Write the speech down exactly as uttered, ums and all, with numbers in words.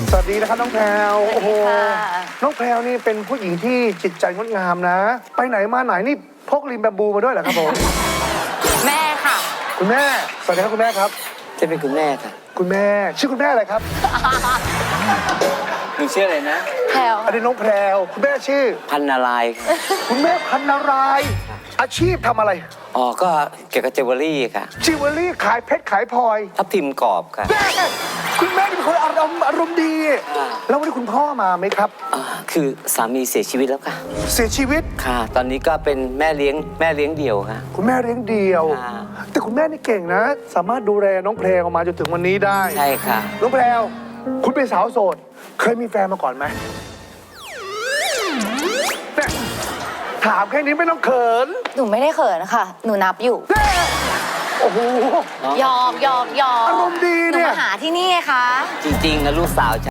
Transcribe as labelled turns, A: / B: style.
A: สวัสดีนะครับน้องแพรวโอ้โหน้องแพรวนี่เป็นผู้หญิงที่จิตใจงดงามนะ ไปไหนมาไหนนี่พกลิมแบมบูมาด้วยเหรอครับผม
B: แม่ค่ะ
A: คุณแม่สวัสดีครับคุณแม่ครับ
C: จะเป็นคุณแม่ค่ะ
A: คุณแม่ชื่อคุณแม่อะไรครับ
C: หนูชื่ออะไรนะ
B: แพรว
A: อันนี้น้องแพรวคุณแม่ชื่อ
C: พันนารายณ์ค่ะ
A: คุณแม่พันนารายณ์อาชีพทำอะไร
C: อ๋อก็เกี่ยวกับจิวเวลรี่ค่ะ
A: จิวเวลรี่ขายเพชรขายพลอย
C: ทับทิมกรอบค่ะ
A: แม่คุณแม่เป็นคนอารมณ์อารมณ์ดีแล้ววันนี้คุณพ่อมาไหมครับ
C: คือสามีเสียชีวิตแล้วค่ะ
A: เสียชีวิต
C: ค่ะตอนนี้ก็เป็นแม่เลี้ยงแม่เลี้ยงเดี่ยวค่ะ
A: คุณแม่เลี้ยงเดี่ยวแต่คุณแม่นี่เก่งนะ สามารถดูแลน้องแพรวมาจนถึงวันนี้ได้
C: ใช่ค่ะ
A: น้องแพรวคุณเป็นสาวโสดเคยมีแฟนมาก่อนไหมถามแค่นี้ไม่ต้องเขิน
B: หนูไม่ได้เขินนะคะหนูนับอยู่
A: โอ้โห
B: ยอมยอมยอม
A: อารมณ์ดีเนี่ย
B: หนูมาหาที่นี่ไงคะ
C: จริงๆนะลูกสาว